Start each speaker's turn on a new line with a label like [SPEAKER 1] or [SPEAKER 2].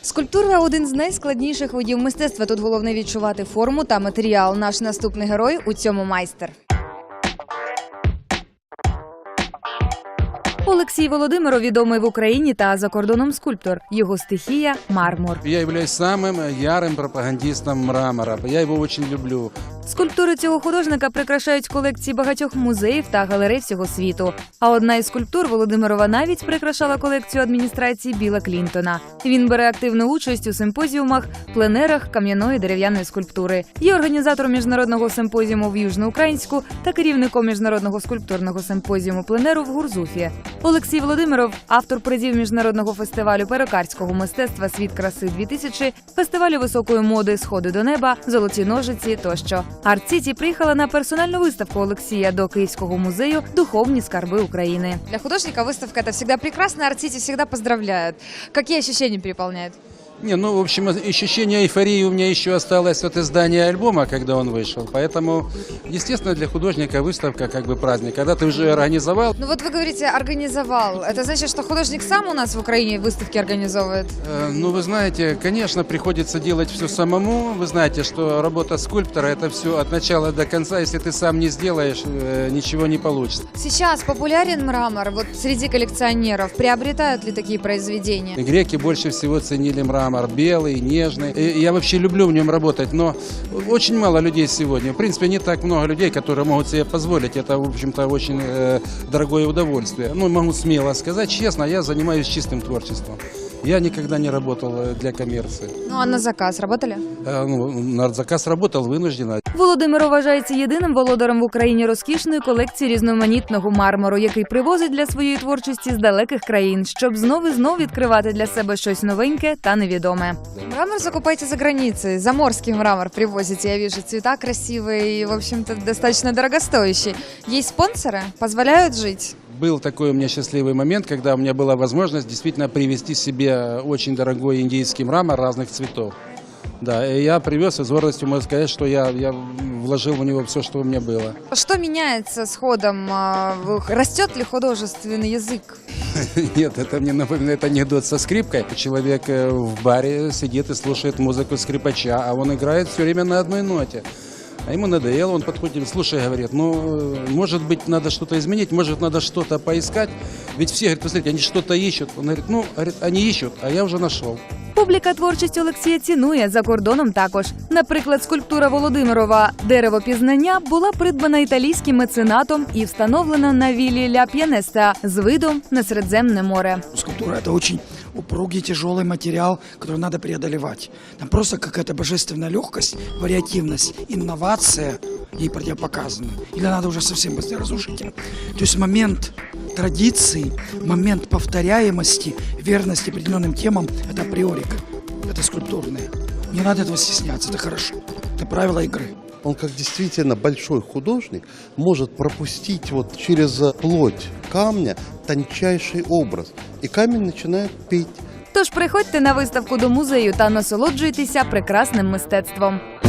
[SPEAKER 1] Скульптура – один з найскладніших видів мистецтва. Тут головне відчувати форму та матеріал. Наш наступний герой – у цьому майстер. Олексій Володимиров – відомий в Україні та за кордоном скульптор. Його стихія – мармур.
[SPEAKER 2] Я являюсь самым ярым пропагандистом мрамора. Я его очень люблю.
[SPEAKER 1] Скульптури цього художника прикрашають колекції багатьох музеїв та галерей всього світу. А одна із скульптур Володимирова навіть прикрашала колекцію адміністрації Біла Клінтона. Він бере активну участь у симпозіумах, пленерах кам'яної дерев'яної скульптури. Є організатором міжнародного симпозіуму в Южноукраїнську та керівником міжнародного скульптурного симпозіуму пленеру в Гурзуфі. Олексій Володимиров – автор призів міжнародного фестивалю перукарського мистецтва «Світ краси-2000», фестивалю високої моди «Сходи до неба», «Золоті ножиці» тощо. Арт-Сіті приїхала на персональну виставку Олексія до Київського музею «Духовні скарби України». Для художника выставка – это всегда прекрасно, Арт-Сіті всегда поздравляет. Какие ощущения переполняют?
[SPEAKER 2] Не, ну, в общем, ощущение эйфории у меня еще осталось от издания альбома, когда он вышел. Поэтому, естественно, для художника выставка как бы праздник. Когда ты уже организовал...
[SPEAKER 1] Ну вот вы говорите «организовал». Это значит, что художник сам у нас в Украине выставки организовывает?
[SPEAKER 2] Ну, вы знаете, конечно, приходится делать все самому. Вы знаете, что работа скульптора – это все от начала до конца. Если ты сам не сделаешь, ничего не получится.
[SPEAKER 1] Сейчас популярен мрамор вот среди коллекционеров. Приобретают ли такие произведения?
[SPEAKER 2] Греки больше всего ценили мрамор. Белый, нежный. И я вообще люблю в нем работать, но очень мало людей сегодня. В принципе, не так много людей, которые могут себе позволить. Это, в общем-то, очень дорогое удовольствие. Ну, могу смело сказать, честно, я занимаюсь чистым творчеством. Я никогда не работал для коммерции.
[SPEAKER 1] Ну, а на заказ работали?
[SPEAKER 2] На заказ работал вынужденно.
[SPEAKER 1] Володимир вважається єдиним володарем в Україні розкішної колекції різноманітного мармуру, який привозить для своєї творчості з далеких країн, щоб знов і знов відкривати для себе щось новеньке та невідоме. Мрамор закупаете за границей, заморский мрамор привозите, я вижу, цвета красивые и, в общем-то, достаточно дорогостоящие. Есть спонсоры? Позволяют жить?
[SPEAKER 2] Был такой у меня счастливый момент, когда у меня была возможность действительно привезти себе очень дорогой индийский мрамор разных цветов. Да, и я привез, и с гордостью могу сказать, что я вложил в него все, что у меня было.
[SPEAKER 1] Что меняется с ходом? Растет ли художественный язык?
[SPEAKER 2] Нет, это мне напоминает анекдот со скрипкой. Человек в баре сидит и слушает музыку скрипача, а он играет все время на одной ноте. А ему надоело, он подходит, слушай, говорит, ну, может быть, надо что-то изменить, может, надо что-то поискать. Ведь все, говорит, посмотрите, они что-то ищут. Он говорит, ну, они ищут, а я вже знайшов.
[SPEAKER 1] Публіка творчість Олексія цінує, за кордоном також. Наприклад, скульптура Володимирова «Дерево пізнання» була придбана італійським меценатом і встановлена на віллі Ля П'янеста з видом на Середземне море.
[SPEAKER 3] Скульптура – это очень упругий, тяжелый материал, который надо преодолевать. Там просто какая-то божественная легкость, вариативность, инновация ей противопоказана. Или надо уже совсем быстро разрушительно. То есть момент традиции, момент повторяемости, верности определенным темам – это априорика, это скульптурное. Не надо этого стесняться, это хорошо, это правило игры.
[SPEAKER 4] Он как действительно большой художник может пропустить вот через плоть камня тончайший образ. И камень начинает петь.
[SPEAKER 1] Тож приходьте на виставку до музею та насолоджуйтеся прекрасним мистецтвом.